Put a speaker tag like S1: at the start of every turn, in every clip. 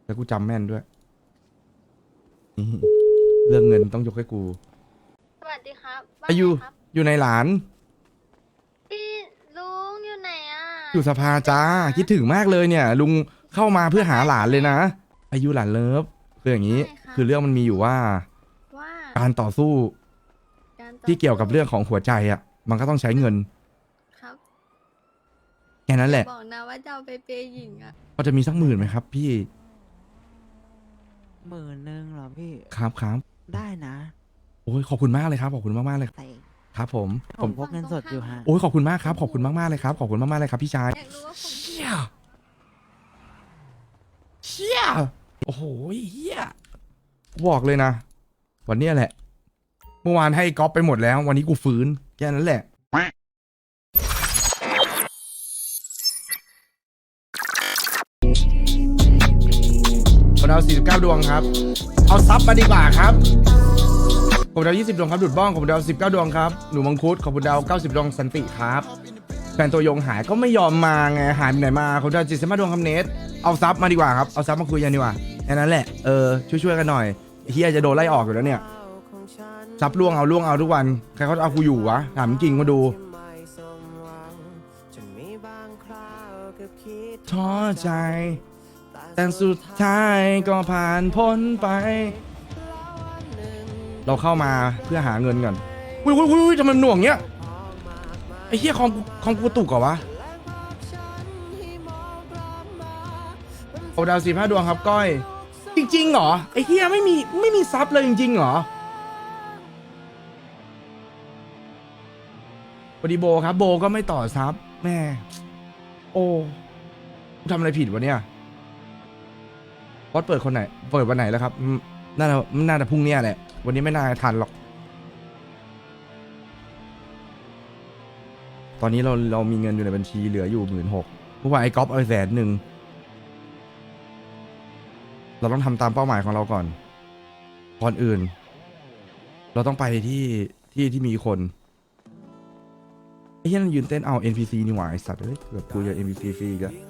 S1: แล้วกูจำแม่นด้วยนี่เรื่องเงินต้องยกให้กู
S2: สวัสดีครับว่า
S1: อายุ
S2: ไงครับ
S1: อยู่ในหลาน
S2: พี่ลุงอยู่ไหนอ่ะ
S1: อยู่สภาจ้าคิดถึงมากเลยเนี่ย ลุงเข้ามาเพื่อหาหลานเลยนะ อายุหลานเลิฟคืออย่างนี้ คือเรื่องมันมีอยู่ว่า
S2: ว่า
S1: การต่อสู้
S2: การต่อ
S1: ที่เกี่ยวกับเรื่องของหัวใจอ่ะ มันก็ต้องใช้เงิน
S2: ครับ
S1: แค่นั้นแหละ
S2: บอกนะว่าจะเอาไปเปย์หญิงอ่ะ
S1: พอจะมีสัก10,000ไหมครับ พี่
S3: 10,000เหรอพี่
S1: ครับครับ
S3: ได้นะ
S1: โอ้ยขอบคุณมากเลยครับขอบคุณมากๆเลย
S3: แต่
S1: ครับผม
S3: ผมพกเงินสดอยู่ฮะ
S1: โอ้ยขอบคุณมากครับขอบคุณมากๆเลยครับขอบคุณมากๆเลยครับพี่ชาย
S2: อยากรู้ว่าผม
S1: เชี่ยเชี่ยโอ้โหเฮียบอกเลยนะ วันเนี้ยแหละ เมื่อวานให้ก๊อปไปหมดแล้ว วันนี้กูฟื้นแค่นั้นแหละ ผมเอา49 ดวงครับ เอาซับมาดีกว่าครับผมเอา20 ดวงครับดุดบ้องผมเอา19 ดวงครับหนูมังคุดขอบคุณดาว90 ดวงสันติครับแฟนตัวยงหายก็ไม่ยอมมาไงหายไปไหนมาผมเอา75 ดวงครับเนทเอาซับมาดีกว่าครับเอาซับมาคุยกันดีกว่าแค่นั้นแหละช่วยกันหน่อยเฮียจะโดนไล่ออกอยู่แล้วเนี่ยซับล่วงเอาทุกวันใครเขาเอากูอยู่วะถามจริงมาดูท้อใจแต่สุดท้ายก็ผ่านพ้นไป เราเข้ามาเพื่อหาเงินก่อนอุ้ยทำไมมันหน่วงเงี้ยไอ้เหี้ยคอมกูตุกเหรอวะโอดาว15 ดวงครับก้อยจริงๆเหรอไอ้เหี้ยไม่มีซับเลยจริงๆเหรอพอดีโบครับโบก็ไม่ต่อซับแม่โอ้กูทำอะไรผิดวะเนี่ยบอสเปิดคนไหนเปิดวันไหนแล้วครับน่าจะพรุ่งนี้แหละวันนี้ไม่น่าทันหรอกตอนนี้เรามีเงินอยู่ในบัญชีเหลืออยู่16,000เพราะว่าไอ้ก๊อฟเอา100,000เราต้องทำตามเป้าหมายของเราก่อนอื่น เราต้องไปที่มีคนไอ้เหี้ยนั่นยืนเต้นเอา NPC นี่หว่าไอ้สัตว์เอ้ยเกือบกูจะ NPC ฟรีอีก็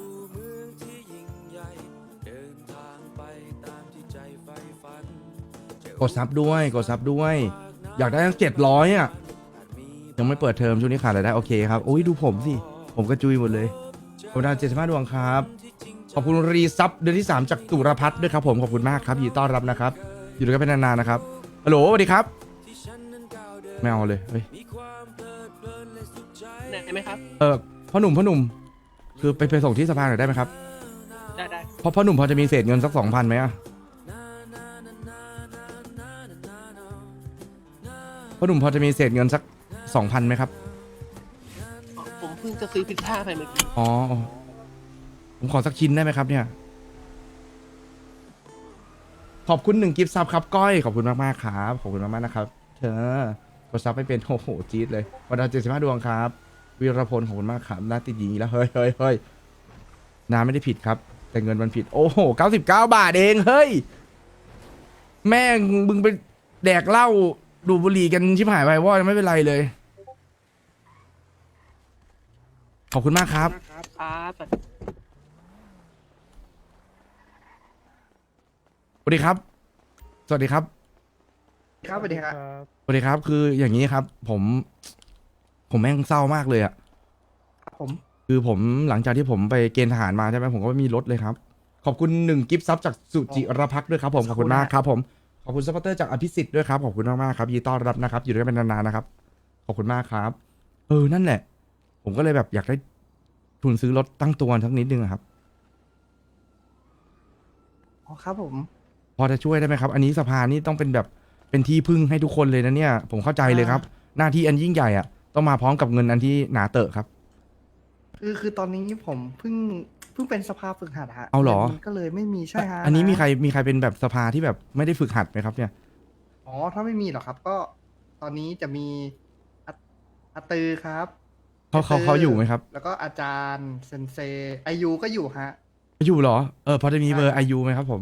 S1: กดซับด้วยอยากได้ตั้ง700อ่ะยังไม่เปิดเทอมช่วงนี้ขาดรายได้โอเคครับโอ้ยดูผมสิผมก็จุยหมดเลยผมดาว75 ดวงครับขอบคุณรีซับเดือนที่3จากตุรพัฒน์ด้วยครับผมขอบคุณมากครับยินดีต้อนรับนะครับอยู่ด้วยกันเป็นนานๆนะครับฮัลโหลสวัสดีครับไม่เอาเลยเฮ้ย
S4: ได้ไหมครับ
S1: พ่อหนุ่มคือไปส่งที่สภาหน่อยได้ไหมครับ
S4: ได้
S1: เพราะพ่อหนุ่มพอจะมีเศษเงินสัก 2,000ไหมอะพ่อหนุ่มพอจะมีเศษเงินสัก 2,000ไหมครับ
S4: ผมเพิ่งจะซื้อพิซซ่าไปเมื่อกี้
S1: อ๋อผมขอสักชิ้นได้ไหมครับเนี่ยขอบคุณ1 กิฟต์ซับครับก้อยขอบคุณมากๆครับขอบคุณมากๆนะครับเธอกดซับไม่เป็นโอ้โหจี๊ดเลยวันดาว75 ดวงครับวีรพลขอบคุณมากครับน่าติดหญิงอีกแล้วเฮ้ยน้าไม่ได้ผิดครับแต่เงินมันผิดโอ้โห99 บาทเองเฮ้ยแม่งมึงไปแดกเหล้าดูดบุหรี่กันชิบหายไปว่าไม่เป็นไรเลยขอบคุณมากครับ
S4: ครับ
S1: สวัสดีครับสวัสดีครับ
S5: ครับสวัสดีครับ
S1: สวัสดีครับคืออย่างนี้ครับผมแม่งเศร้ามากเลยอะ
S5: ผม
S1: คือผมหลังจากที่ผมไปเกณฑ์ทหารมาใช่ไหมผมก็ไม่มีรถเลยครับขอบคุณ1 กิฟต์ซับจากสุจิรพักษ์ด้วยครับผมขอบคุณมากครับผมขอบคุณซัพพอร์ตเตอร์จากอภิสิทธิ์ด้วยครับขอบคุณมากๆครับยินดีต้อนรับนะครับอยู่ด้วยกันเป็นนานๆนะครับขอบคุณมากครับนั่นแหละผมก็เลยแบบอยากได้ทุนซื้อรถตั้งตัวสักนิดนึงอะครับ
S5: อ๋อครับผม
S1: พอจะช่วยได้ไหมครับอันนี้สภานี่ต้องเป็นแบบเป็นที่พึ่งให้ทุกคนเลยนะเนี่ยผมเข้าใจเลยครับหน้าที่อันยิ่งใหญ่อะต้องมาพร้อมกับเงินอันที่หนาเตอะครับ
S5: คือตอนนี้ผมเพิ่งเป็นสภาฝึกหัดฮะ
S1: เอาเหรอ
S5: งินก็เลยไม่มีใช่ฮะ
S1: อันนี้มีใครเป็นแบบสภาที่แบบไม่ได้ฝึกหัดไหมครับเนี่ย
S5: อ๋อถ้าไม่มีหรอกครับ ก็ตอนนี้จะมีอาตือครับ
S1: เขาอยู่ไหมครับ
S5: แล้วก็อาจารย์เซนเซอายุก็อยู่ฮะ
S1: อยู่เหรอพอจะมีเบอร์ไอยูไหมครับผม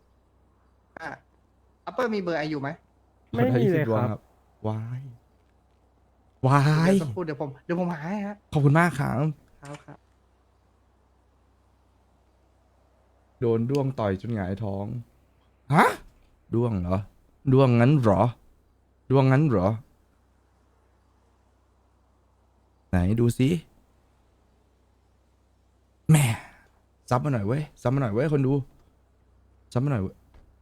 S5: อัปเปอร์มีเบอร์อายุไหม
S6: ไม่มีเลยครับ
S1: วาย
S5: เดี๋ยวสักครู่เดี๋ยวผมหาให้ฮะ
S1: ขอบคุณมากครับ
S5: ครับ
S1: โดนด้วงต่อยจนหงายท้อง ฮะ ด้วงเหรอ ด้วงงั้นเหรอ ด้วงงั้นเหรอ ไหนดูสิแหม่ซับมาหน่อยเว้ย ซับมาหน่อยเว้ยคนดู ซับมาหน่อยเว้ย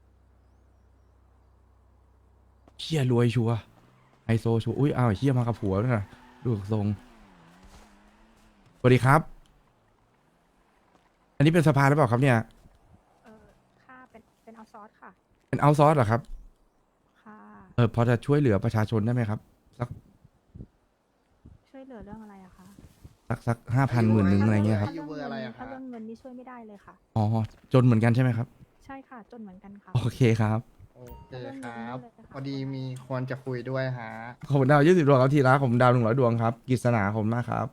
S1: เฮียรวยชัวร์ไฮโซชัวร์อุ้ยอ้าวเฮียมากับผัวด้วยนะดูทรงสวัสดีครับ อันนี้เป็นสภาหรือเปล่าครับเนี่ย
S6: ค่ะเป็นเอาซอสค่ะ
S1: เป็นเอาซอร์สเหรอครับ
S6: ค่ะ
S1: พอจะช่วยเหลือประชาชนได้ไหมครับ
S6: ช่วยเหลือเรื่องอะไรอะคะ
S1: สัก5,000 10,000อะไรเงี้ยครับ
S5: อายุเบอร์อะไรอะคะ
S6: ถ้าเรื่องเงินนี่ช่วยไม่ได้เลยค่ะ
S1: อ๋อ จนเหมือนกันใช่ไหมครับ
S6: ใช่ค่ะ จนเหมือนกันค่ะ
S1: โอเคครับ
S5: โอเคครับ พอดีมีคนจะคุยด้วยฮะ
S1: ขอบคุณดาว20 ดวงครับทีละขอบคุณดาว100 ดวงครับกฤษณาขอบคุณมากครับ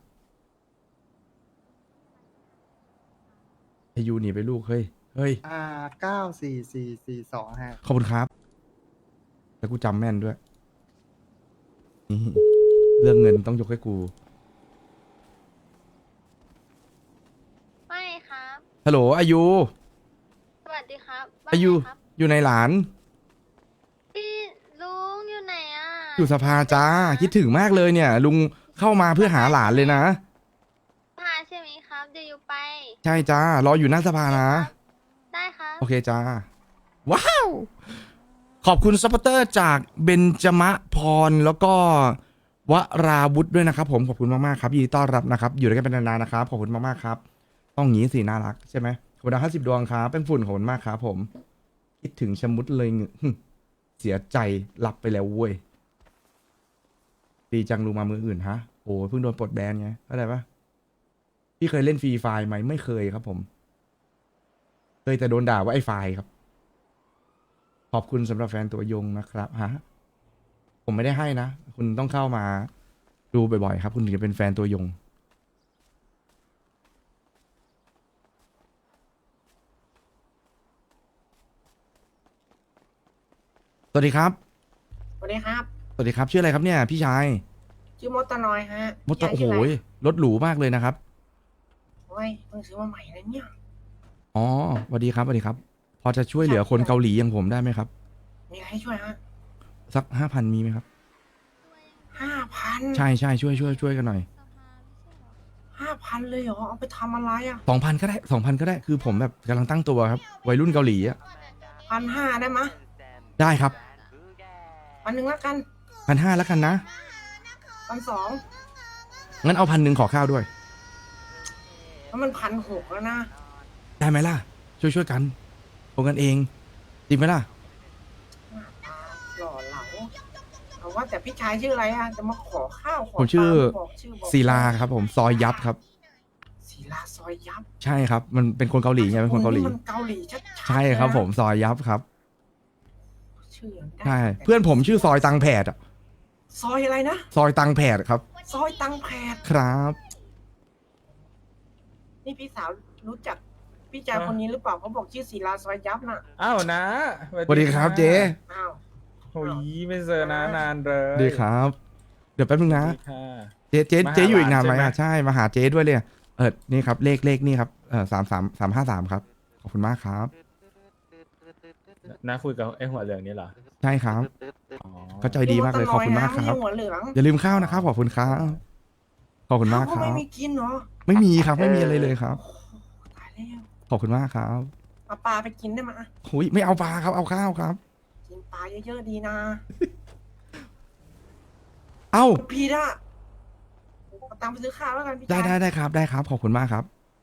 S1: อายุหนีไปลูกเฮ้ย เฮ้ย
S5: 94442ฮะ
S1: ขอบคุณครับ แล้วกูจำแม่นด้วย นี่เรื่องเงินต้องยกให้กู
S2: ไม่ครับ
S1: ฮัลโหลอายุ
S2: สวัสดีครับว่า
S1: อายุ
S2: ไงครับ
S1: อยู่ในหลาน
S2: พี่ลุงอยู่ไหนอ่ะ
S1: อยู่สภาจ้า คิดถึงมากเลยเนี่ย ลุงเข้ามาเพื่อหาหลานเลยนะ
S2: พาใช่ไหมครับ เดี๋ยวอยู่ไป
S1: ใช่จ้ารออยู่หน้าสภานะ
S2: ได้ครับ
S1: โอเคจ้า ว้าว ขอบคุณซัพพอร์เตอร์จากเบญจมะพรแล้วก็วราวุธด้วยนะครับผมขอบคุณมากๆครับยินดีต้อนรับนะครับ อยู่ด้วยกันเป็นนานๆนะครับขอบคุณมากๆครับ ต้องอย่างนี้สิน่ารักใช่ไหมขอบคุณดาว50 ดวงครับเป็นฝุ่นขอบคุณมากครับผม คิดถึงชะมุดเลยเสียใจรับไปแล้วเว้ยดีจังลุงมามืออื่นฮะโอ้เพิ่งโดนปลดแบนไงเข้าใจปะพี่เคยเล่นฟรีไฟล์ไหมไม่เคยครับผมเคยแต่โดนด่าว่าไอ้ไฟล์ครับ ขอบคุณสำหรับแฟนตัวยงนะครับฮะผมไม่ได้ให้นะ คุณต้องเข้ามาดูบ่อยๆครับ คุณถึงจะเป็นแฟนตัวยง สวัสดีครับ
S7: สวัสดีครับ
S1: สวัสดีครับชื่ออะไรครับเนี่ย พี่ชาย
S7: ชื่อมดตะนอยฮะ
S1: มดตะ
S7: ยาย
S1: โอ้โห
S7: ชื่ะไร
S1: รถหรูมากเลยนะครับ
S7: โอ้ยเพิ่งซื้อมาใหม่เลยเนี่ย
S1: อ๋อสวัสดีครับสวัสดีครับ พอจะช่วยเหลือคนเกาหลีอย่างผมได้ไหมครับ
S7: มีอะไรให้ช่วยฮะ
S1: สัก5,000มีไหมครับ
S7: 5,000
S1: ใช่ใช่ช่วยกันหน่อย
S7: 5,000เลยเหรอ เอาไปทำอะไรอ่ะ
S1: 2,000ก็ได้2,000ก็ได้คือผมแบบกำลังตั้งตัวครับวัยรุ่นเกาหลีอ่ะ
S7: 1,500ได้มะ
S1: ได้ครับ
S7: 1,000แล้วกัน
S1: 1,500แล้วกันนะ
S7: 1,200
S1: งั้นเอา1,000ขอข้าวด้วย
S7: แล้วมัน1,600แล้วนะ
S1: ได้ไหมล่ะ ช่วยกันโอนกันเองดีไหมล่ะ
S7: หล่อเหลาเอาว่าแต่พี่ชายชื่ออะไรอ่ะ จะมาขอข้าวขอ
S1: ผมชื่อ
S7: ปลาบอกชื่อบอก
S1: ศิลาครับผมซอยยับครับ
S7: ศิลาซอยยับ
S1: ใช่ครับ มันเป็นคนเกาหลีไงเป็นคนเกาหลี
S7: มันเกาหลีชัดๆ
S1: ใช่ครับ
S7: เลยนะ
S1: ผมซอยยับครับ
S7: ชื่อยังได้
S1: ใช่เพื่อนผมชื่อซอยตังแผดอะ
S7: ซอยอะไรนะ
S1: ซอยตังแผดครับ
S7: ซอยตังแพด
S1: ครับ
S7: นี่พี่สาวรู้จักพี่ชายคนนี้หรือเปล่าเขาบอกชื่อศิลาซอยยับน่ะ
S8: อ้าวนะ
S1: สวัสดีครับเจ๊
S7: อ้าว
S8: โอ้ยไม่เจอนะนานเลย
S1: ดีครับ เดี๋ยวแป๊บนึงนะ
S8: สวัสดีค่ะ
S1: เจ๊อยู่อีกนานไหม
S8: มาหาหลาน
S1: อ่ะ
S8: ใช่ไหม
S1: ใช่มาหาเจ๊ด้วยเลยนี่ครับเลขนี่ครับ333ครับขอบคุณมากครับ
S8: น้าคุยกับไอ้หัวเหลืองนี่เหรอ
S1: ใช่ครับ
S8: อ๋อ
S1: เขาใจดีมากเลยขอบคุณมากครับ
S7: หัวเหลือง
S1: อย่าลืมข้าวนะครับขอบคุณครับขอบคุณมากค
S7: เขา
S1: รั
S7: ไม่
S1: บ
S7: มีกินเหรอ
S1: ไม่มีครับไม่มีอะไรเลยครับ
S7: ตายแล้ว
S1: ขอบคุณมากครับ
S7: เอาปลาไปกินได้ไหมย
S1: หุยไม่เอาปลาครับเอาข้าวครับ
S7: กินปลาเยอะๆดีนะ
S1: เอ้า
S7: พี่ละเอาตังค์ไปซื้อข้าวแล้วกันพี่
S1: ได้
S7: ชาย
S1: ได้ครับได้ครับขอบคุณมากครับ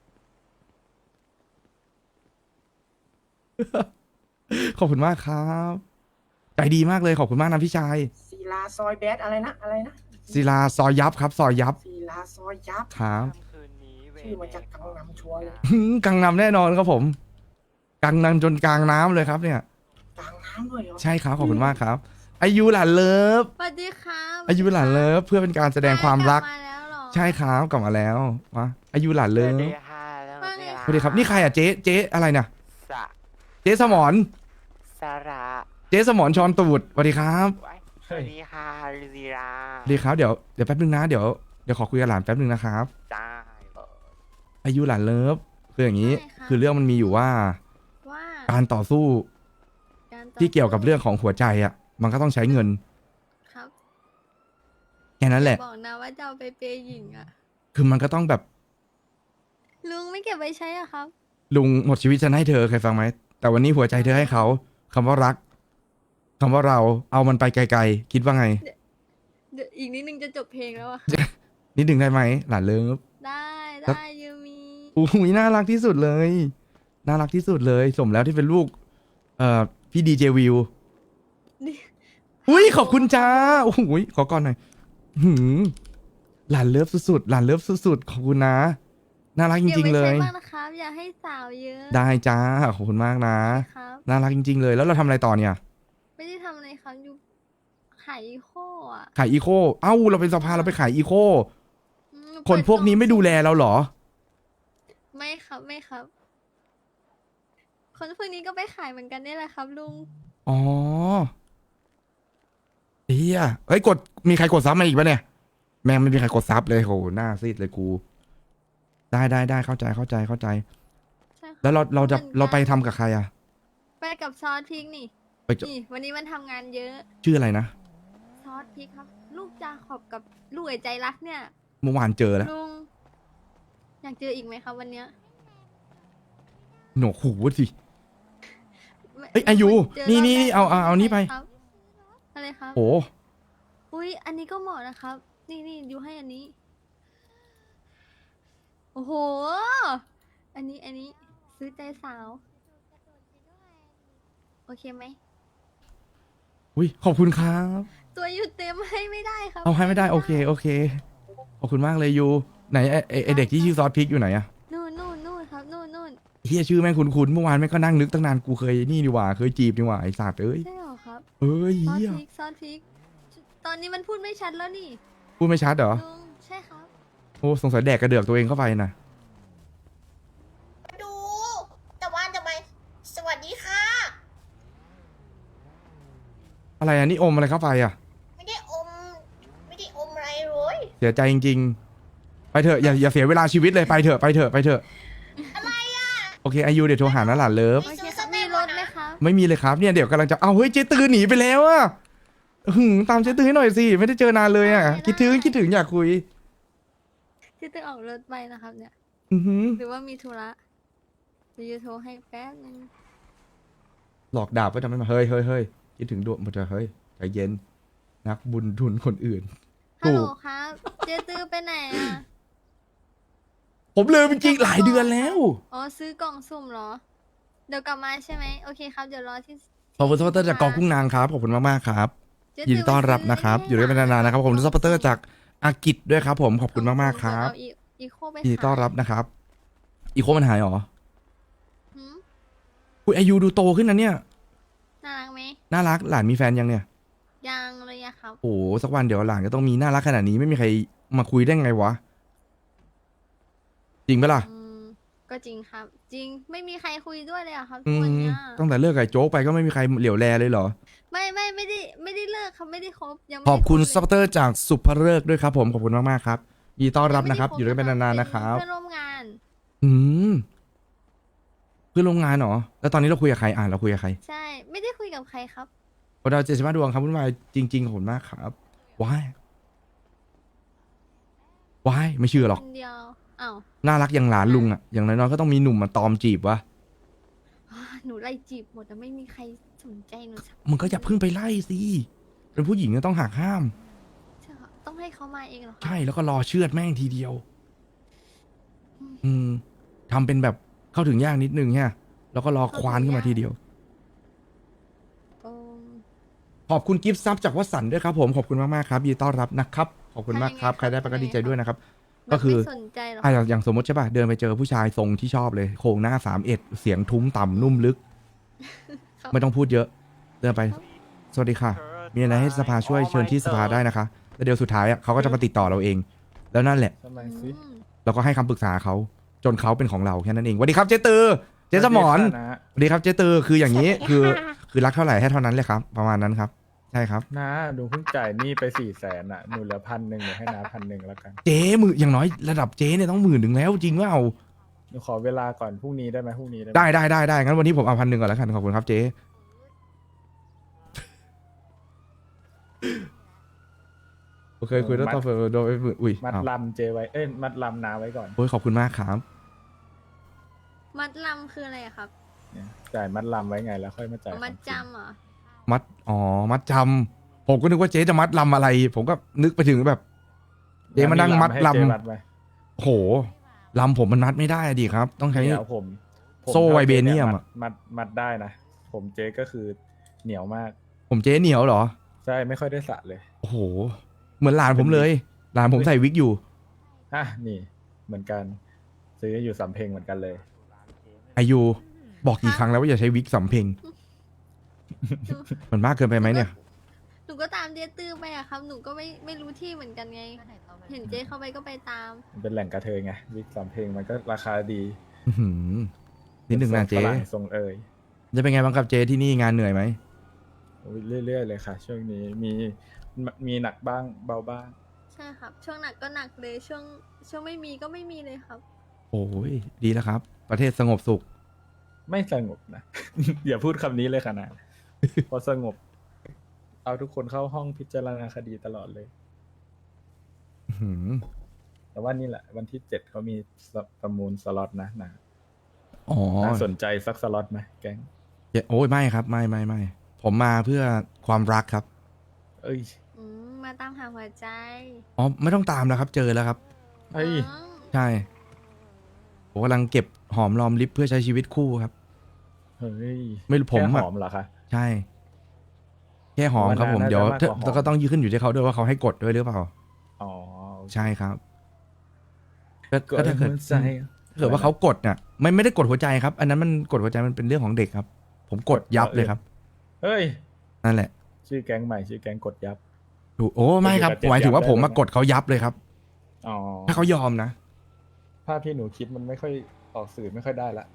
S1: ขอบคุณมากครับใจดีมากเลยขอบคุณมากนะพี่ชาย
S7: ศิลาซอยแบดอะไรนะอะไรนะ
S1: ศิลาซอยยับครับซอยยับ
S7: ศิลาซอยยับ
S1: ครับ
S7: ชื่อมาจากกังนำชัวร์เลย
S1: กังนำแน่นอนครับผมกังนำจนกลางน้ำเลยครับเนี่ย
S7: กลางน้ำด้วยเหรอ
S1: ใช่ครับขอบคุณมากครับ อายุหลานเลิฟ
S2: สวัสดีครับ
S1: อายุหลานเลิฟเพื่อเป็นการแสดงความรัก
S2: มาแล้วเหรอ
S1: ใช่ครับกลับมาแล้วมาอายุหลานเลิฟ
S2: ว่าไง
S1: สวัสดีครับนี่ใครอ่ะเจ๊อะไรเนี่ย
S9: สะ
S1: เจ๊สมร
S9: สาระ
S1: เจ๊สมรชอนตูดสวัสดีครับ
S9: สวัสดีค่ะลีลา
S1: สวัสดีครับเดี๋ยวแป๊บนึงนะเดี๋ยวขอคุยกับหลานแป๊บนึงนะครับ
S9: จ้า
S1: อายุหลานเลิฟคืออย่างนี้ คือเรื่องมันมีอยู่ว่าการต่อสู้
S2: การต่อ
S1: ที่เกี่ยวกับเรื่องของหัวใจอ่ะ มันก็ต้องใช้เงิน
S2: ครับ
S1: แค่นั้นแหละ
S2: บอกนะว่าจะเอาไปเปย์หญิงอ่ะ
S1: คือมันก็ต้องแบบ
S2: ลุงไม่เก็บไว้ใช้อะครับ
S1: ลุงหมดชีวิตฉันให้เธอเคยฟังไหมแต่วันนี้หัวใจเธอให้เขาคำว่ารักคำว่าเราเอามันไปไกลๆคิดว่าไง
S2: เดี๋ยวอีกนิดนึงจะจบเพลงแล้วอะ
S1: นิดหนึ่งได้ไหมหลานเลิฟ
S2: ได้
S1: แล้ว
S2: ได้ยูมี
S1: อุ้ยน่ารักที่สุดเลย น่ารักที่สุดเลย สมแล้วที่เป็นลูก พี่ดีเจวิว
S2: นี่
S1: อุ้ยขอบคุณจ้าโอ้โหขอก่อนหน่อยหืมหลานเลิฟสุดๆหลานเลิฟสุดๆขอบคุณนะ น่ารักจ
S2: เก็บ
S1: ริง
S2: ไว้
S1: ๆ เล
S2: ใช้
S1: ย
S2: บ้างนะครับ อย่าให้สาวเยอะ
S1: ได้จ้าขอบคุณมากนะ
S2: ครับ
S1: น่ารักจริง ๆ เลย แล้วเราทำอะไรต่อเนี่ย
S2: ไม่ได้ทำอะไรครับอยู่ขายอีโคอะ
S1: ขายอีโคเอ้าเราเป็นสภาเราไปขายอีโค
S2: อืม
S1: คนพวกนี้ไม่ดูแลเราเหรอ
S2: ไม่ครับไม่ครับ คนพวกนี้ก็ไปขายเหมือนกันนี่แหละครับลุง
S1: อ๋อเฮียเฮ้ยมีใครกดซับมาอีกปะเนี่ย แม่งไม่มีใครกดซับเลยโหหน้าซีดเลยกู ได้เข้าใจ
S2: ใช่ครับ
S1: แล้วเราจะ
S2: หมือนกัน
S1: เราไปทำกับใครอะ
S2: ไปกับซอสพริกนี่
S1: ไปจะ
S2: นี่ วันนี้มันทำงานเยอะ
S1: ชื่ออะไรนะ
S2: ซอสพริกครับ ลูกจาขอบกับลูกไอ้ใจรักเนี่ย
S1: เมื่อวานเจอแล้ว
S2: ลุงอยากเจออีกไหมครับวันเนี้ย
S1: หนวกหูสิ
S2: ไม่
S1: เอ้ยอายุ
S2: จร
S1: นี่
S2: บ
S1: นี่
S2: แรก
S1: เอานี่ไป
S2: ครับอะไรครับ
S1: โอ้
S2: อุ้ยอันนี้ก็เหมาะนะครับ นี่ดูให้อันนี้ โอ้โห อันนี้ซื้อใจสาว โอเคไหม
S1: อุ้ยขอบคุณครับ
S2: ตัวอยู่เต็มให้ไม่ได้ครับ
S1: เอาให้ไม่ได้โอเคขอบคุณมากเลยยูไหนไอเด็กที่ชื่อซอสพริกอยู่ไหนอะ
S2: นู่นครับนู่น
S1: เฮียชื่อแม่งคุ้นๆเมื่อวานแม่งก็นั่งนึกตั้งนานกูเคยนี่ดีหว่าเคยจีบดีหว่าไอสัตว์เอ้ย
S2: ใช่เหรอครับ
S1: เอ้ย
S2: ซอส
S1: เฮีย
S2: พริกตอนนี้มันพูดไม่ชัดแล้วนี่
S1: พูดไม่ชัดเหรอ
S2: ลุงใช่ครับ
S1: โอ้สงสัยแดกกระเดือกตัวเองเข้าไปนะ
S10: ดู แต่ว่าทำไม สวัสดีค่ะ
S1: อะไรอันนี้อมอะไรเข้าไปอะ
S10: ไม่ได้อมอะไรเลย
S1: เสียใจจริงๆ ไปเถอะอย่าเสียเวลาชีวิตเลยไปเถอะ
S10: อะไรอ่ะ
S1: โอเคอายุเดี๋ยวโทรหานะหลานเลิฟ
S2: โอเคครับมีรถไหมครับ
S1: ไม่มีเลยครับเนี่ยเดี๋ยวกำลังจะเอาเฮ้ยเจตือหนีไปแล้วอะตามเจตือให้หน่อยสิไม่ได้เจอนานเลยอะคิดถึงอยากคุย
S2: ที่ตึงออกรถไปนะครับเนี่ย
S1: อือหือ
S2: หรือว่ามีธุระเดี๋ยวจะโทรให้แป๊บนึง
S1: หลอกดาบไว้ทำไมมาเฮ้ยคิดถึงดวงมันจะเฮ้ยใจเย็นนักบุญทุนคนอื่น
S2: ฮัลโหล
S1: ถูก
S2: ครับ เจตื้อไปไหนอ่ะ
S1: ผมลืมจริงๆหลายเดือนแล้ว
S2: อ๋อซื้อกล่องสุ่มเหรอ เดี๋ยวกลับมาใช่ไหมโอเคครับ เดี๋ยวรอที่
S1: ขอบคุณซัพพอร์ตเตอร์จากกองกุ้งนางครับขอบคุณมากๆครับ
S2: เจ๊
S1: ยินดีต้อนรับนะครับอยู่ด้วยกันนานๆนะครับขอบคุณซัพพอร์ตเตอร์จากอากิจด้วยครับผมขอบคุณมากๆครับ
S2: เดี๋ยวเอาอีโคไป
S1: ยินดีต้อนรับนะครับอีโคมันหายเหรอ
S2: หืม
S1: คุณอายุดูโตขึ้นนะเนี่ย
S2: น่ารักไหม
S1: น่ารักหลานมีแฟนยังเนี่ย
S2: ยังเลยอะครับ
S1: โอ้โหสักวันเดี๋ยวหลานก็ต้องมีน่ารักขนาดนี้ไม่มีใครมาคุยได้ไงวะจริงปะล่ะ
S2: ก็จริงครับ จริงไม่มีใครคุยด้วยเลยอะครับ
S1: อื
S2: ทุกวัน
S1: ม
S2: เนี้ย
S1: ตั้งแต่เลิกกับไอ้โจ๊กไปก็ไม่มีใครเหลียวแลเลยเหรอ
S2: ไม่ได้เลิกครับไม่ได้คบยังไม่
S1: ข
S2: ได้
S1: อบคุณ
S2: เลย
S1: ซัพพอร์ตเตอร์จากสุภเลิกษ์ด้วยครับผมขอบคุณมากๆครับยินดีต้อนรับนะครับอยู่ด้วยกันนานๆนะครับ
S2: เพื่อนร่วมงาน
S1: อืมเพื่อนร่วมงานเหรอแล้วตอนนี้เราคุยกับใครเราคุยกับใคร
S2: ใช่ ไม่ได้คุยกับใครครับ
S1: โอดาว75 ดวงครับวุ่นวายจริงๆขอบคุณมากครับว้ายไม่เชื่อหรอก
S2: คนเดียวอ้าว
S1: น่ารักอย่างหลานลุงอ่ะอย่างน้อยๆก็ต้องมีหนุ่มมาตอมจีบวะ
S2: หนูไล่จีบหมดแต่ไม่มีใครสนใจหนูสัก
S1: มึงก็อย่าเพิ่งไปไล่สิเป็นผู้หญิงก็ต้องหักห้าม
S2: ใช่ครับต้องให้เขามาเองเหรอคะ
S1: ใช่แล้วก็รอเชือดแม่งทีเดียว ทำเป็นแบบเข้าถึงยากนิดนึงฮะแล้วก็รอควานขึ้นมาทีเดียว
S2: โอ้
S1: ขอบคุณกิฟต์ซับจากวัดสันด้วยครับผมขอบคุณมากๆครับยินดีต้อนรับนะครับขอบคุณมากครับใครได้ไปก็ดีใจด้วยนะครับ ก็คือ
S2: ไม่สนใจหรอก
S1: อย่างสมมติใช่ป่ะเดินไปเจอผู้ชายทรงที่ชอบเลยโครงหน้า31เสียงทุ้มต่ำนุ่มลึก
S2: ครับ
S1: ไม่ต้องพูดเยอะ เดินไป สวัสดีค่ะ มีอะไรให้สภาช่วยเชิญที่สภาได้นะคะแล้วเดี๋ยวสุดท้ายอ่ะเขาก็จะมาติดต่อเราเอง แล้วนั่นแหละ
S8: ทำไมสิ
S1: เราก็ให้คำปรึกษาเขาจนเขาเป็นของเราแค่นั้นเองสวัสดีครับเจตือเจสมอน
S8: สวัสดีค่ะนะ
S1: สวัสดีครับเจตือคืออย่างนี้คือรักเท่าไหร่ให้เท่านั้นเลยครับ ประมาณนั้นครับ ใช่ครับ
S8: นะหนูเพิ่งจ่ายหนี้ไป400,000อ่ะหนูเหลือ1,000หนูให้น้า1,000แล้วกัน
S1: เจ๊มืออย่างน้อยระดับเจ๊เนี่ยต้อง10,000แล้วจริงว่าเอา
S8: หนูขอเวลาก่อนพรุ่งนี้ได้ไหมพรุ่งนี้ได้ไหม
S1: ได้งั้นวันนี้ผมเอา1,000ก่อนแล้วกันขอบคุณครับเจ๊โอเคคุยแล้วต่อโดนไปอุ้ย
S8: มัด
S1: อ้าว
S8: ลำเจไว้ เอ้ย มัดลำนาไว้ก่อน
S1: โอ้ยขอบคุณมากครับ
S2: มัดลำคืออะไรอะครับ
S8: เนี่ยจ่ายมัดลำไว้ไงแล้วค่อยมาจ่าย
S2: มัด
S8: ของจริง
S2: จำเหรอ
S1: มัดจำผมก็นึกว่าเจ๊จะมัดลำอะไร ผมก็นึกไปถึงแบบ เจ๊มานั่งมัดล
S8: ให้เจ๊มัดไว้
S1: ำโหลำผมมันมัดไม่ได้ดิครับ ต้องใช้
S8: เดี๋ยวผม
S1: โซ่ไวเบเนียมอะ
S8: มัดได้นะ ผมเจ๊ก็คือเหนียวมาก
S1: ผมเจ๊เหนียวเหรอ
S8: ใช่ไม่ค่อยได้สระเลย
S1: โอ้โห เหมือนหลานผมเลย หลานผมใส่วิกอยู่
S8: อ่ะนี่เหมือนกันซื้ออยู่สำเพ็งเหมือนกันเลย
S1: อายุบอกกี่ครั้งแล้วว่าอย่าใช้วิกสำเพ็ง มันมากเกินไปไหมเนี่ย
S2: หนูก็ตามเจ๊ตื้อไปอะครับ หนูก็ไม่รู้ที่เหมือนกันไง เห็นเจ๊เข้าไปก็ไปตาม
S8: มันเป็นแหล่งกระเทยไงวิกสำเพ็งมันก็ราคาดี
S1: อื้อหือนิดหนึ่งนะเจ๊
S8: ฝรั่งทรงเอย
S1: จะเป็นไงบ้างครับเจ๊ที่นี่งานเหนื่อยไหม
S8: โอ้ยเรื่อยๆเลยค่ะ ช่วงนี้มีหนักบ้างเบาบ้าง
S2: ใช่ครับ ช่วงหนักก็หนักเลย ช่วงไม่มีก็ไม่มีเลยครับ
S1: โอ้ยดีแล้วครับ ประเทศสงบสุข
S8: ไม่สงบนะ อย่าพูดคำนี้เลยค่ะนะ พอสงบ เอาทุกคนเข้าห้องพิจารณาคดีตลอดเลย
S1: อื้อหือ
S8: แต่ว่านี่แหละวันที่7เขามีประมูลสล็อตนะนะ
S1: อ๋อ
S8: น่าสนใจสักสล็อตไหมแก๊ง
S1: โอ้ยไม่ครับไม่ผมมาเพื่อความรักครับ
S8: เอ้ย
S2: มาตามหาหัวใจ
S1: อ๋อไม่ต้องตามแล้วครับ เจอแล้วครับ
S8: เอ้ย
S2: อ๋อ
S1: ใช่ผมกำลังเก็บหอมรอมริบเพื่อใช้ชีวิตคู่ครับ
S8: เฮ้ย
S1: ไม่รู้ผม
S8: แค่
S1: อะ
S8: หอมเหรอคะ
S1: ใช่ แค่หอมครับผม
S8: น่าจะ
S1: เดี๋ยว
S8: มากกว่าหอม
S1: แล้วก็ต้องยืนขึ้นอยู่ที่เขาด้วยว่าเขาให้กดด้วยหรือเปล่า
S8: อ๋อ
S1: ใช่ครับ
S8: ก็
S1: ก็ถ้าเกิด
S8: หัวใจ
S1: ถ้าเกิดว่าเขากดน่ะไม่ได้กดหัวใจครับ อันนั้นมันกดหัวใจมันเป็นเรื่องของเด็กครับ ผมกดยับเลยครับ
S8: เฮ้ย
S1: นั่นแหละ
S8: ชื่อแก๊งใหม่ชื่อแก๊งกดยับ
S1: ดูโอ้ไม่ครับ
S8: เดี๋ยว
S1: หมายถึงว่า
S8: เจ็บยับ
S1: ผมมา
S8: ได้ไหม
S1: กดเขายับเลยครับ
S8: อ๋อ
S1: ถ้าเขายอมนะ
S8: ภาพที่หนูคิดมันไม่ค่อยออกสื่อไม่ค่อยได้ละ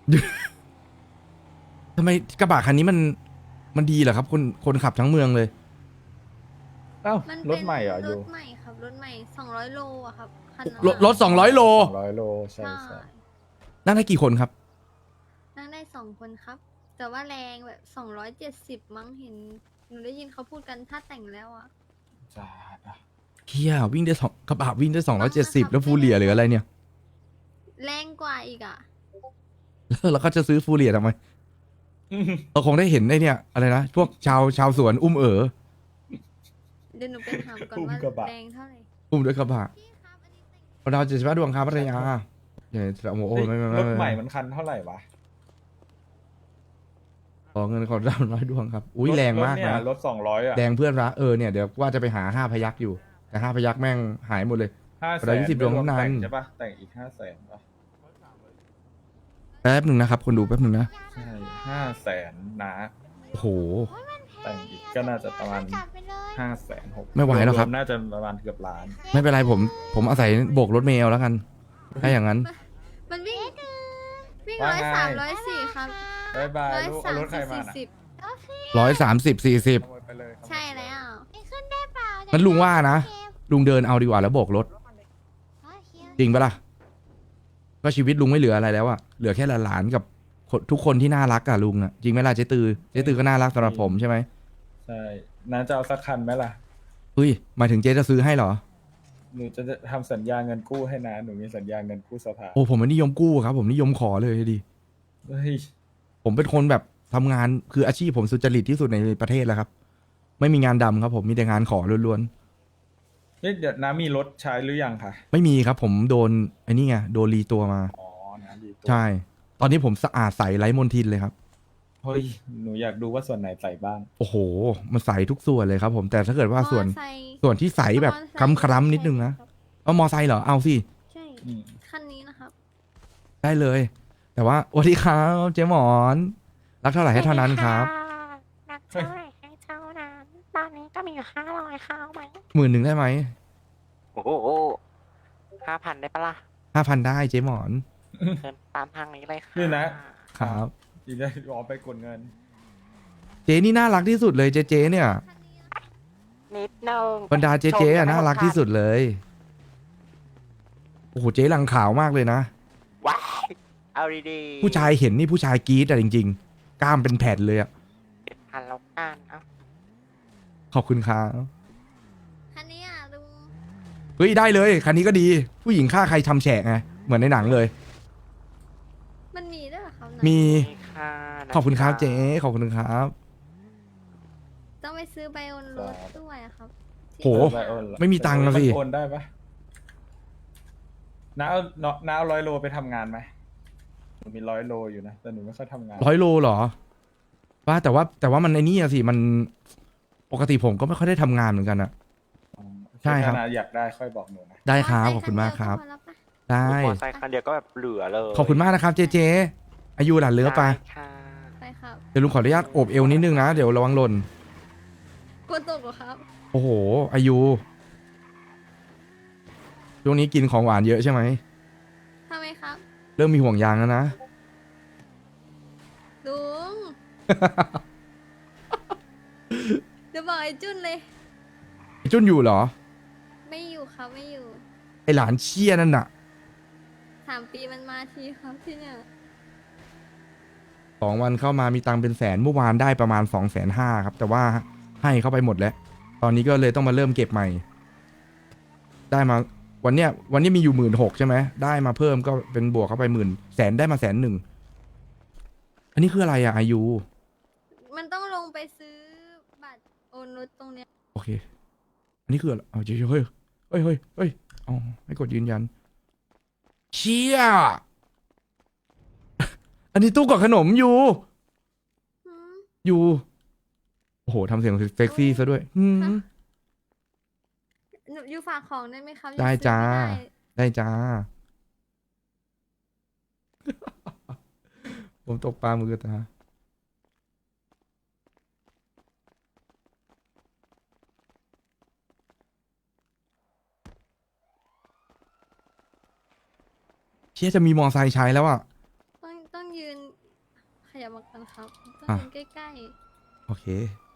S1: ทำไมกระบะคันนี้มันดีเหรอครับ คนขับทั้งเมืองเลย
S8: เอ้า
S2: มัน
S8: ร
S2: เป็
S8: ถ
S2: น
S8: ใหม่เหรออ
S2: ร
S8: ยู่
S2: ถใหม่ครับ รถใหม่200 โลอะครับคันนั้น
S1: รถ200 โล
S8: 200 โลใช่
S2: ใช่
S8: ใช่
S1: นั่งได้กี่คนครับ
S2: นั่งได้2 คนครับ แต่ว่าแรงแบบ270มั้งเห็น หนูได้ยินเขาพูดกันถ้าแต่งแล้วอะ
S8: จ้าอ่ะ
S1: เฮียวิ่งได้กระบะวิ่งได้270แล้วฟูเรียหรืออะไรเนี่ย
S2: แรงกว่าอีกอะ
S1: แล้วก็จะซื้อฟูเรียทำไมเราคงได้เห็นไอ้เนี่ยอะไรนะพวกชาวสวนอุ้ม
S2: เดี๋ยวหนูไปถามก่อน
S8: อุ้ม
S2: ว่าก
S8: ระบะ
S2: แรงเท่าไหร่
S1: อุ้มด้วยกระบะเราดาว75 ดวงครับพัทยาเดี๋ยวโอ้โหไม่
S8: รถใหม่มันคันเท่าไหร่วะ
S1: ขอเงินขอดาว100 ดวงครับอุ้ยแรงมาก
S8: เนี่ย
S1: นะ
S8: รถ200อ่ะ
S1: แดงเพื่อนรักเนี่ยเดี๋ยวว่าจะไปหา5 พยักอยู่แต่5 พยักแม่งหายหมดเลย
S8: 500,000
S1: เรา20ดวงเท่านั้น
S8: แต่งใช่ปะแต่งอีก500,000ป่ะ
S1: แป๊บหนึ่งนะครับคนดูแป๊บหนึ่งนะ
S8: ใช่500,000นะ
S1: โอ้โห
S8: แต่งอีกก็น่าจะประมาณ
S10: จัดไปเลย
S8: 560,000
S1: ไม่ไหวแล้วครับ
S8: วมๆน่าจะประมาณเกือบล้าน
S1: ไม่เป็นไรผมอาศัยโบกรถเมล์แล้วกัน ถ้าอย่างนั้น
S2: มันวิ่ง
S8: ว่าไง
S2: 103 104 ครับ
S8: บายบายลูกเอารถใครมาน่ะ
S2: 130
S1: 130 40
S8: ขโมยไปเลย
S2: 40ใช่แล้ว
S10: ไปขึ้นได้เปล่า
S1: งั้นลุงว่านะ ลุงเดินเอาดีกว่าแล้วโบกรถ จริงปะล่ะ ก็ชีวิตลุงไม่เหลืออะไรแล้วอะเหลือแค่หลานๆกับทุกคนที่น่ารักอะลุงอะจริงไหมล่ะเจ๊ตือก็น่ารักสำหรับผมใช่ไหม
S8: ใช่น้าจะเอาสักคันไหมล่ะ
S1: เฮ้ยหมายถึงเจ๊จะซื้อให้เหรอ
S8: หนูจะทำสัญญาเงินกู้ให้นะหนูมีสัญญาเงินกู้สภา
S1: โอ้ผมไม่นิยมกู้ครับ ผมนิยมขอเลยดิ
S8: เฮ้ย
S1: ผมเป็นคนแบบทำงานคืออาชีพผมสุจริตที่สุดในประเทศแล้วครับ ไม่มีงานดำครับ ผมมีแต่งานขอล้วน
S8: เฮ้ยเดี๋ยวน้ามีรถใช้หรือยังคะ
S1: ๆไม่มีครับ ผมโดนไอ้นี่ไงโดนรีตัวมา
S8: อ๋อนะดีตัว
S1: ใช่ ตอนนี้ผมสะอาดใสไร้มลทินเลยครับ
S8: เฮ้ยหนูอยากดูว่าส่วนไหนใส่บ้าง
S1: โอ้โห มันใสทุกส่วนเลยครับ ผมแต่ถ้าเกิดว่าส่วน
S2: มอไซค์
S1: ส่วนที่ใสแบบคล้ำๆนิดนึงนะเอามอไซค์เหรอเอาสิ
S2: ใช่
S8: อืม
S2: คันนี้นะครับ
S1: ได้เลย แต่ว่าสวัสดีครับเจ๊หมอนรักเท่าไหร่ให้เท่านั้นครับ
S10: นักเท่าไหร่ให้เท่านั้น ตอนนี้ก็มีอยู่500เข้าไหม
S1: 10,000ได้ไหม
S9: โอ้โห5,000 ได้ปะล่ะ
S1: 5,000ได้เจ๊หมอน
S9: เชิญตามทางนี้เลยค่ะ
S8: นี่นะครับ ดีได้รอไปกดเงิน
S1: เจ๊นี่น่ารักที่สุดเลยเจ๊เนี่ย
S9: นิดนึง
S1: บรรดาเจ๊อะน่ารักที่สุดเลยโอ้โหเจ๊หลังขาวมากเลยนะ
S9: ว้ายเอาดีๆ
S1: ผู้ชายเห็นนี่ผู้ชายกรี๊ดอะจริงๆ กล้ามเป็นแผ่นเลยอะ
S9: พันแล้วกันเอ้า
S1: ขอบคุณครับ
S2: คันนี้อ่ะลุง
S1: เฮ้ยได้เลยคันนี้ก็ดี ผู้หญิงฆ่าใครทำแฉะไงเหมือนในหนังเลย
S2: มันมีด้วยเหรอครับ
S1: มี
S9: นี่ค่ะนะ
S1: ขอบคุณครับเจ๊ขอบคุณครับ
S2: ต้องไปซื้อไบโอนรถด้วยอะครับที่
S1: โห
S8: ไบโอนเหรอ
S1: ไม่มีตังค์อะสิ
S8: โอนได้ปะน้าเอา100 โลไปทำงานไหมหนูมี100 โลอยู่นะแต่หนูไม่ค่อยทำงาน
S1: 100 โลเหรอว่าแต่ว่ามันไอ้นี่อะสิมันปกติผมก็ไม่ค่อยได้ทำงานเหมือนกันอะ
S8: อ๋อ
S1: ใช่ครับ
S8: ถ้านาอยากได้ค่อยบอกหนูนะ
S1: ได้ครับ
S2: ม
S1: ขอบคุณมากครับ
S2: อเตอร์ไซค์คันเดียวก็พอแล้วปะ
S1: ได้
S9: มอไซค์คันเดียวก็แบบเหลือเลย
S1: ขอบคุณมากนะครับเจเจอายุหลานเหลือไป
S9: ได้ค่ะ
S2: ไปครับ
S1: เดี๋ยวลุงขออนุญาตโอบเอวนิดนึงนะเดี๋ยวระวังหล่น
S2: กลัวตกเหรอครับ
S1: โอ้โหอายุช่วงนี้กินของหวานเยอะใช่ไหม
S2: ทำไมครับ
S1: เริ่มมีห่วงยางแล้วนะ
S2: ลุง เดี๋ยวบอกไอ้จุนเลย
S1: ไอ้จุนอยู่เหรอ
S2: ไม่อยู่ครับไม่อยู่
S1: ไอหลานเชี่ยนั่นน่ะ
S2: 3 ปีมันมาทีครับที่เนี่ย
S1: 2 วันเข้ามามีตังค์เป็นแสนเมื่อวานได้ประมาณ250,000ครับแต่ว่าให้เข้าไปหมดแล้ว ตอนนี้ก็เลยต้องมาเริ่มเก็บใหม่ ได้มาวันเนี้ยมีอยู่16,000ใช่ไหมได้มาเพิ่มก็เป็นบวกเข้าไป10,000ได้มา100,000อันนี้คืออะไรอะอายุ
S2: มันต้องลงไปซื้อบัตรโอนรถตรงเนี้ย
S1: โอเค อันนี้คืออะไรเอาเฮ้ยเฮ้ยอ๋อไม่กดยืนยัน เชี่ย อันนี้ตู้กดขนมอยู่
S2: หืม
S1: อยู่ โอ้โหทำเสียงเซ็กซี่ซะด้วยหืม
S2: หนูอยู่ฝากของได้ไหมครับ
S1: ได้
S2: ยังซื้อ
S1: จ้า
S2: ไม่ได้
S1: ได้จ้า ผมตกปลามือตาเชี่ยจะมีมอไซค์ใช้แล้วอ่ะ
S2: ต้องยืน ขยับมากันครับ ต้อง
S1: อ่ะ
S2: ยืนใกล้
S1: โอเค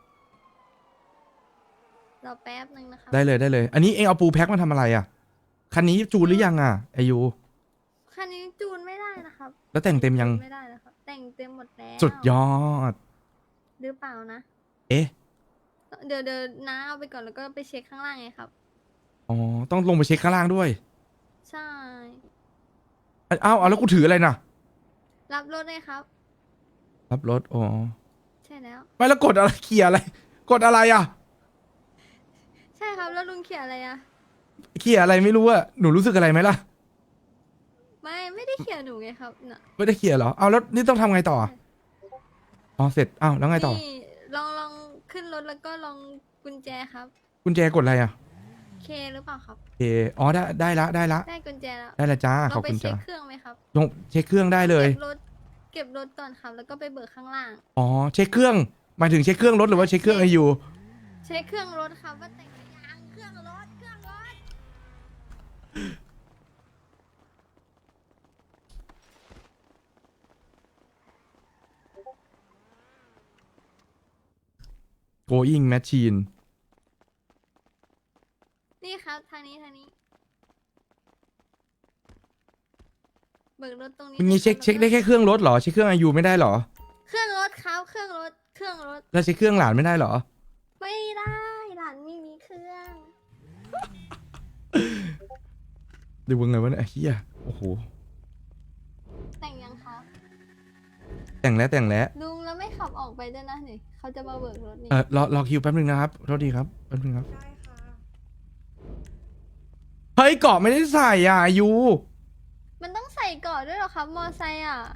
S2: ๆรอแป๊บนึงนะครับ
S1: ได้เลย อันนี้เองเอาปูแพ็คมาทำอะไรอ่ะ คันนี้จูนหรือยังอ่ะอายุ
S2: คันนี้จูนไม่ได้นะครับ
S1: แล้วแต่งเต็มยัง
S2: ไม่ได้แล้วครับ แต่งเต็มหมดแล้ว
S1: สุดยอด
S2: หรือเปล่านะ
S1: เอ๊ะ
S2: เดี๋ยวน้าเอาไปก่อนแล้วก็ไปเช็คข้างล่างไงครับ
S1: อ๋อ ต้องลงไปเช็คข้างล่างด้วย
S2: ใช่
S1: อ้าวแล้วกูถืออะไรน่ะ
S2: รับรถเลยครับ
S1: รับรถ อ๋อ
S2: ใช่แล้ว
S1: ไม่แล้วกดอะไรเขี่ยอะไร กดอะไรอ่ะ
S2: ใช่ครับ แล้วลุงเขียนอะไรอะ
S1: เขี่ยอะไรไม่รู้อะหนูรู้สึกอะไรไหมล่ะ
S2: ไม่ได้เขียนหนูไงครับน่ะ
S1: ไม่ได้เขี่ยเหรอ เอาแล้วนี่ต้องทำไงต่อ อ๋อ เสร็จ อ้าว แล้วไงต่อ
S2: นี่ลองขึ้นรถแล้วก็ลองกุญแจครับ
S1: กุญแจกดอะไรอ่ะ
S2: เคหรือเปล่าครับ
S1: โอเคอ๋อ ได้ละ
S2: ได้กุญแจแล้ว
S1: ได้ละจ้า ข
S2: เรา
S1: อบ
S2: ไป
S1: คุณ
S2: เช็
S1: จ้า
S2: คเครื่องไหมครับ
S1: ลงเช็คเครื่องได้เลย
S2: เก็บรถก่อนครับ แล้วก็ไปเบิกข้างล่าง
S1: อ๋อ เช็คเครื่อง หมายถึงเช็คเครื่องรถหรือว่าเช็คเครื่องไอยู
S2: เช็คเครื่องรถครับว่าแต่งหรือยังเครื่องรถ
S1: going machine
S2: นี่ครับทางนี้เบิกรถตรงนี้
S1: มันงี้เช็คได้แค่เครื่องรถเหรอ เช็คเครื่องไอยูไม่ได้เหรอ
S2: เครื่องรถครับเครื่องรถ
S1: แล้วเช็คเครื่องหลานไม่ได้เหรอ
S2: ไม่ได้หลานไม่มีเครื่อง
S1: ดูว่าไงวะเนี่ยเฮียโอ้โห
S2: แต่งยังครับ
S1: แต่งแล้ว
S2: ลุงแล้วไม่ขับออกไปด้วยนะนี่เขาจะมาเบิกรถนี่
S1: รอคิวแป๊บนึงนะครับ โทษทีครับ แป๊บนึงครับ เฮ้ยเกาะไม่ได้ใส่อ่ะอายุ
S2: มันต้องใส่ก่อนด้วยเหรอครับ มอไซค์อ่ะ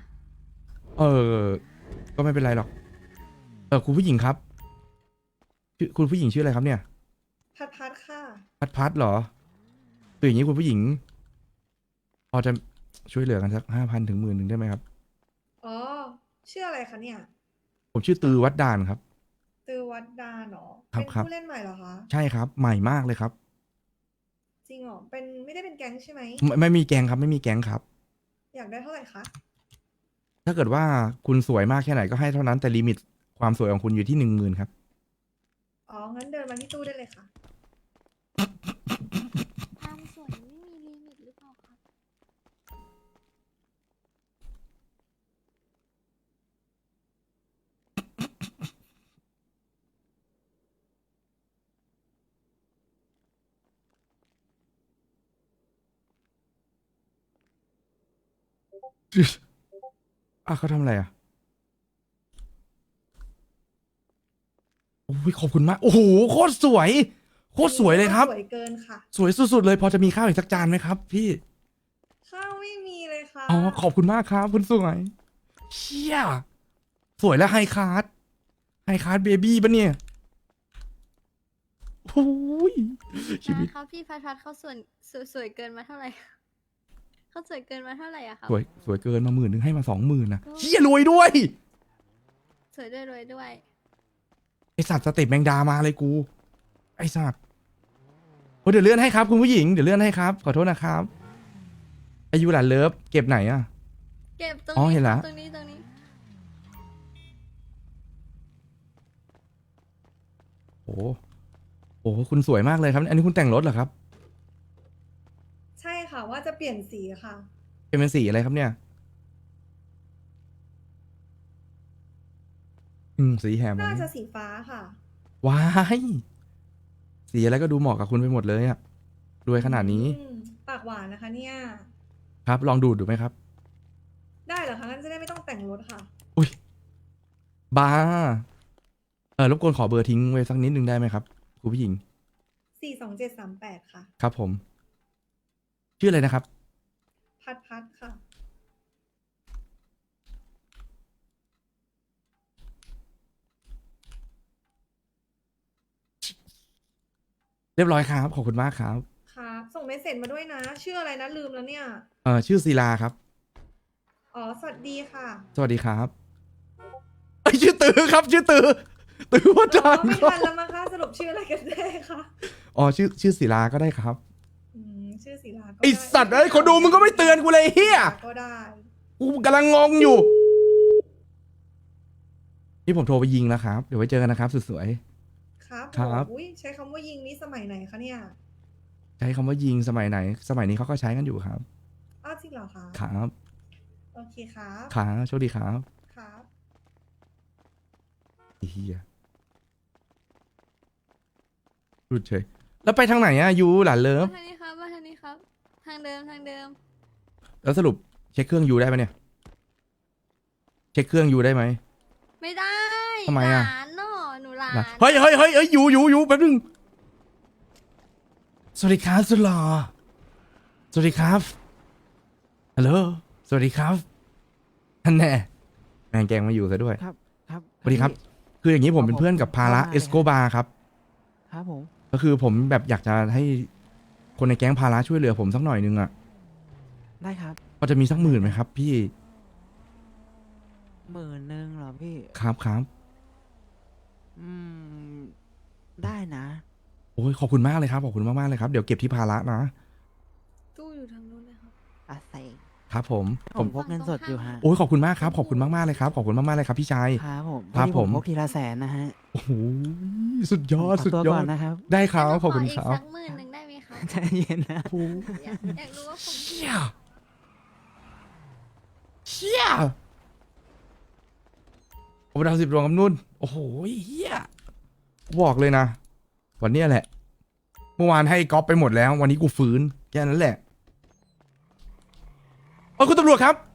S1: ก็ไม่เป็นไรหรอก คุณผู้หญิงครับคุณผู้หญิงชื่ออะไรครับเนี่ย
S6: พัดค่ะ
S1: พัดเหรอคืออย่างนี้คุณผู้หญิง พอจะช่วยเหลือกันสัก5,000 ถึง 10,000ได้ไหมครับ
S6: อ๋อ ชื่ออะไรคะเนี่ย
S1: ผมชื่อตือวัดดานครับ
S6: ตือวัดดาเนาะ
S1: ครับ
S6: เป็น
S1: ครับ
S6: ผู้เล่นใหม่เหรอคะ
S1: ใช่ครับ ใหม่มากเลยครับ
S6: จริงเหรอ ไม่ได้เป็นแก๊งใช่ไหม
S1: ไม่มีแกงครับ ไม่มีแกงครับ
S6: อยากได้เท่าไหร่คะ
S1: ถ้าเกิดว่าคุณสวยมากแค่ไหนก็ให้เท่านั้นแต่ลิมิตความสวยของคุณอยู่ที่ 10,000ครับ
S6: อ๋อ งั้นเดินมาที่ตู้ได้เลยค่ะ
S2: ความสวยไม่มีลิมิตหรือเปล่าครับ
S1: เขาทำอะไรอ่ะโอ้ยขอบคุณมาก โอ้โหโคตรสวย โคตรสวยเลยครับ
S6: สวยเกินค่ะ
S1: สวยสุดๆเลย พอจะมีข้าวอีกสักจานไหมครับ พี่
S6: ข้าวไม่มีเลยค่ะ
S1: อ๋อ ขอบคุณมากครับคุณสวย เชี่ย สวยและไฮคาร์ดเบบี้ปะเนี่ยโอ้ยชีวิต
S2: นะครับพี่พัดเขาสวยเกินมาเท่าไหร่เขาสวยเกินมาเท่าไหร่อะครับ
S1: สวยเกินมา10,000ให้มา20,000นะเชี่ยรวยด้วย
S2: สวยด้วยรวยด้วย
S1: ไอสัตว์สเต็ปแมงดามาเลยกู ไอสัตว์โอ้เดี๋ยวเลื่อนให้ครับคุณผู้หญิงเดี๋ยวเลื่อนให้ครับ ขอโทษนะครับ อายุหลานเลิฟเก็บไหนอ่ะ
S2: เก็บตรง
S1: อ๋อ
S2: นี้
S1: เห็น
S2: ค
S1: แล้
S2: รั
S1: ว
S2: บตรงนี้
S1: โอ้โหคุณสวยมากเลยครับ อันนี้คุณแต่งรถเหรอครับ
S6: ใช่ค่ะว่าจะเปลี่ยนสีค่ะ
S1: เป็นสีอะไรครับเนี่ยสีแหม
S6: น่าจะสีฟ้าค่ะ
S1: ว้ายสีอะไรก็ดูเหมาะกับคุณไปหมดเลยอะรวยขนาดนี้
S6: ปากหวานนะคะเนี่ย
S1: ครับ ลองดูไหมครับ
S6: ได้เหรอคะงั้นจะได้ไม่ต้องแต่งรถค่ะ
S1: อุ้ยบ้ารบกวนขอเบอร์ทิ้งไว้สักนิดนึงได้ไหมครับคุณผู้หญิง
S6: 42738 ค่ะ
S1: ครับผม ชื่ออะไรนะครับ
S6: พัดค่ะ
S1: เรียบร้อยครับขอบคุณมากครับ
S6: ครับ ส่งเมสเซจมาด้วยนะ ชื่ออะไรนะลืมแล้วเนี่ย
S1: ชื่อศิลาครับ
S6: อ๋อ สวัสดีค่ะ
S1: สวัสดีครับไอยชื่อตือครับ ชื่อตือว่า
S6: อ๋
S1: จา
S6: อน ไม่ทันแล้วมั้งคะสรุปชื่ออะไรกันแน่คะ
S1: อ๋อชื่อศิลาก็ได้ครับ
S6: ชื่อศิลาก็
S1: ไอสัตว์เอ้ยคนดูมึงก็ไม่เตือนกูเลยเฮีย
S6: ก็ได้
S1: กูกำลังงงอยู่ นี่ผมโทรไปยิงแล้วครับ เดี๋ยวไว้เจอกันนะครับสุดสวย
S6: ครับ
S1: ครับ
S6: อุ้ยใช้คำว่ายิงนี้สมัยไหนคะเนี่ย
S1: ใช้คำว่ายิงสมัยไหน สมัยนี้เขาก็ใช้กันอยู่ครับ
S6: อ้าวจริงเหรอคะ
S1: ครับ
S6: โอเคครับ
S1: ครับโชคดีครับ
S6: ครับ
S1: ไอ้เฮียรุดเฉยแล้วไปทางไหนอะยูหลานเลิฟ
S2: มาทางนี้ครับมาทางนี้ครับ ทางเดิม
S1: แล้วสรุปเช็คเครื่องยูได้ไหมเนี่ย เช็คเครื่องยูได้ไหม
S2: ไม่ได้
S1: ทำไมอะ
S2: หลานเนาะหนูหลาน
S1: เฮ้ยยูแป๊บนึงสวัสดีครับสุดหล่อสวัสดีครับฮัลโหลสวัสดีครับท่านแน่แมงแกงมาอยู่ซะด้วย
S3: ครับครับ
S1: สวัสดีครับ คืออย่างนี้ผมเป็นเพื่อนกับพาระเอสโกบาครับ
S3: ครับผม
S1: ก็คือผมแบบอยากจะให้คนในแก๊งพาระช่วยเหลือผมสักหน่อยนึงอ่ะ
S3: ได้ครับ
S1: พอจะมีสัก10,000ไหมครับ พี่
S3: 10,000เหรอพี่
S1: ครับ
S3: อืม ได้นะ
S1: โอ้ยขอบคุณมากเลยครับขอบคุณมากๆเลยครับเดี๋ยวเก็บที่พาระนะ
S2: ตู้อยู่ทางนู้นเลยครับ
S3: อาเซ
S1: ครับผม
S3: ผมพกเงินสดอยู่ฮะ
S1: โอ้ยขอบคุณมากครับขอบคุณมากๆเลยครับขอบคุณมากๆเลยครับพี่ชาย
S3: ครับผม
S1: ครับ
S3: พอดี
S1: ผม
S3: พกทีละ100,000นะฮะ
S1: โอ้โหสุดยอด
S3: ข
S1: สุด
S3: ตัวย
S1: อ
S3: ก่อ
S1: ด
S3: นนะครับ
S1: ได้ครับ
S2: แล้ว
S1: ขอบคุณ
S2: อี
S1: ค
S2: ก
S1: รับ
S2: สัก10,000ได้ไหมครับ
S3: ใจเย็นนะ
S1: โอ้
S2: อยากรู้ว่าผม
S1: เชี่ยผมดาว10 ดวงกับนุ่นโอ้โหเฮียบอกเลยนะ วันเนี้ยแหละ เมื่อวานให้ก๊อปไปหมดแล้ว วันนี้กูฟื้นแค่นั้นแหละคุณตำรวจครับ